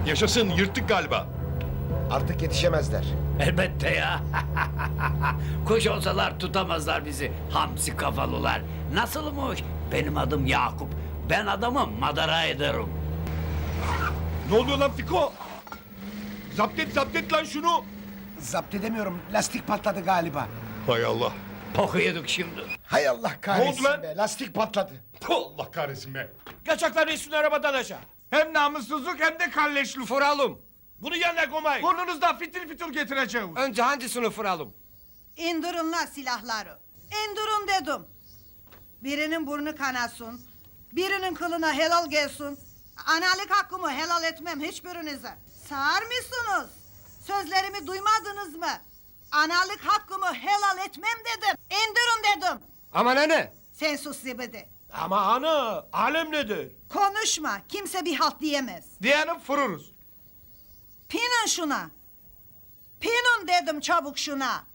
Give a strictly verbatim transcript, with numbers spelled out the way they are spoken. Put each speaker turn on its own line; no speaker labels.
Yaşasın, yırttık galiba.
Artık yetişemezler.
Elbette ya. Kuş olsalar tutamazlar bizi. Hamsi kafalılar. Nasılmış? Benim adım Yakup. Ben adamı madara ederim.
Ne oluyor lan Fiko? Zapt et, zapt et lan şunu.
Zapt edemiyorum. Lastik patladı galiba.
Hay Allah.
Poku yedik şimdi.
Hay Allah kahretsin
Ne oldu lan?
be. Lastik patladı.
Allah kahretsin be.
Kaçaklar üstüne arabadan aşağı.
Hem namussuzluk hem de kalleşlik.
Fıralım. Bunu yerine koymayın.
Burnunuzdan fitil fitil getireceğiz.
Önce hangisini fıralım?
İndirin la silahları. İndirin dedim. Birinin burnu kanasın. Birinin kılına helal gelsin. Analık hakkımı helal etmem hiçbirinize. Sağır mısınız? Sözlerimi duymadınız mı? Analık hakkımı helal etmem dedim. İndirin dedim.
Ama ne?
Sen sus zibidi.
Ama ana, alem nedir?
Konuşma. Kimse bir halt diyemez.
Diyelim fırırız.
Pinin şuna. Pinin dedim çabuk şuna.